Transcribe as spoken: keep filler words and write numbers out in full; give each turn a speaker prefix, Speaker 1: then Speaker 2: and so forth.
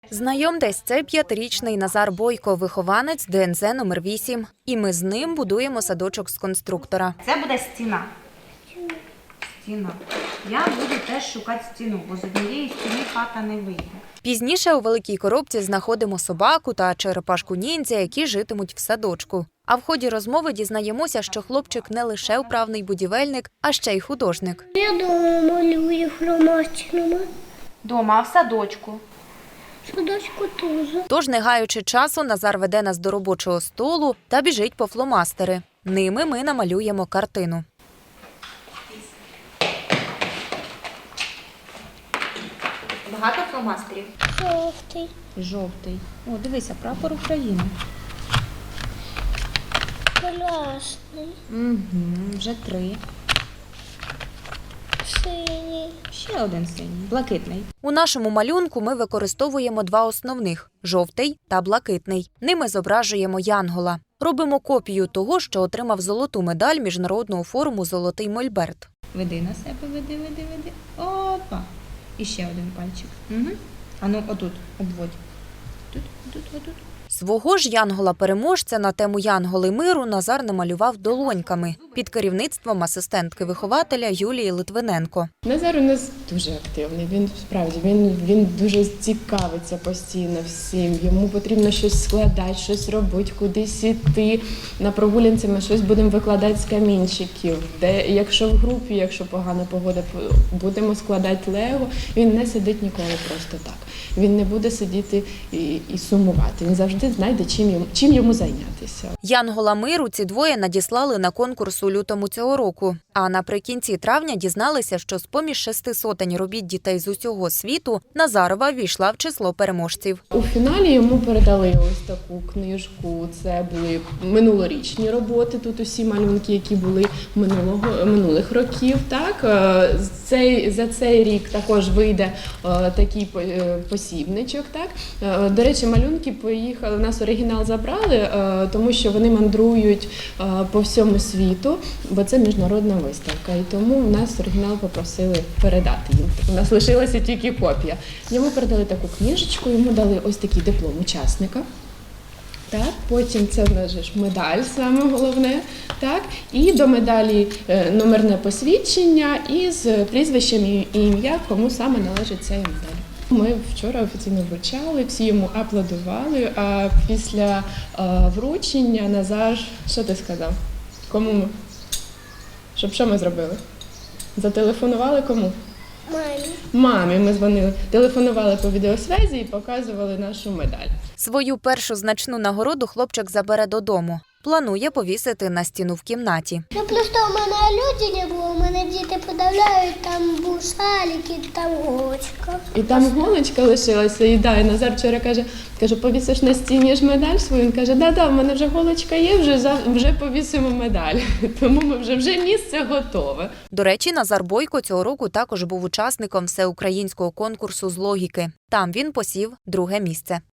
Speaker 1: Знайомтесь, це п'ятирічний Назар Бойко, вихованець Д Н З номер вісім. І ми з ним будуємо садочок з конструктора.
Speaker 2: Це буде стіна. Стіна. Я буду теж шукати стіну, бо з однієї стіни хата не вийде.
Speaker 1: Пізніше у великій коробці знаходимо собаку та черепашку-ніндзя, які житимуть в садочку. А в ході розмови дізнаємося, що хлопчик не лише вправний будівельник, а ще й художник.
Speaker 3: Я дома малюю фломастерами.
Speaker 2: Дома, а в садочку?
Speaker 3: Садочку теж.
Speaker 1: Тож, не гаючи часу, Назар веде нас до робочого столу та біжить по фломастери. Ними ми намалюємо картину.
Speaker 2: Багато фломастерів?
Speaker 3: Жовтий.
Speaker 2: Жовтий. О, дивися, прапор України.
Speaker 3: Красний.
Speaker 2: Угу, вже три.
Speaker 3: Синій.
Speaker 2: Ще один синій. Блакитний.
Speaker 1: У нашому малюнку ми використовуємо два основних – жовтий та блакитний. Ними зображуємо янгола. Робимо копію того, що отримав золоту медаль міжнародного форуму «Золотий Мольберт».
Speaker 2: Веди на себе, веди, веди, веди. Опа. І ще один пальчик. Угу. А ну, отут, обводь. Тут, тут, отут.
Speaker 1: Свого ж янгола-переможця на тему «Янголи миру» Назар намалював долоньками під керівництвом асистентки-вихователя Юлії Литвиненко.
Speaker 4: Назар у нас дуже активний, він справді, він, він дуже цікавиться постійно всім, йому потрібно щось складати, щось робити, кудись іти. На прогулянці ми щось будемо викладати з камінчиків, де, якщо в групі, якщо погана погода, будемо складати лего, він не сидить ніколи просто так. Він не буде сидіти і, і сумувати, він завжди знайде, чим йому, чим йому зайнятися.
Speaker 1: Янгола миру ці двоє надіслали на конкурс у лютому цього року. А наприкінці травня дізналися, що з-поміж шести сотень робіт дітей з усього світу Назарова війшла в число переможців.
Speaker 4: У фіналі йому передали ось таку книжку. Це були минулорічні роботи, тут усі малюнки, які були минулого, минулих років. Так? Цей, за цей рік також вийде такий посібничок. Так? До речі, малюнки поїхали, у нас оригінал забрали, тому що вони мандрують по всьому світу, бо це міжнародна виставка. І тому в нас оригінал попросили передати їм. У нас лишилася тільки копія. Йому передали таку книжечку, йому дали ось такий диплом учасника. Так, потім це в нас ж медаль, саме головне. Так, і до медалі номерне посвідчення із прізвищем і ім'я, кому саме належить ця медаль. Ми вчора офіційно вручали, всі йому аплодували, а після а, вручення Назар, що ти сказав? Кому ми? Щоб що ми зробили? Зателефонували кому?
Speaker 3: Мамі.
Speaker 4: Мамі ми дзвонили, телефонували по відеосвязі і показували нашу медаль.
Speaker 1: Свою першу значну нагороду хлопчик забере додому. Планує повісити на стіну в кімнаті.
Speaker 3: Ну просто у мене люди не було, у мене діти подавляють, там був шалік і там голочка.
Speaker 4: І там голочка лишилася, і да, і Назар вчора каже, каже, повісиш на стіні ж медаль свою? Він каже, да-да, в мене вже голочка є, вже, вже повісимо медаль. Тому ми вже, вже місце готове.
Speaker 1: До речі, Назар Бойко цього року також був учасником всеукраїнського конкурсу з логіки. Там він посів друге місце.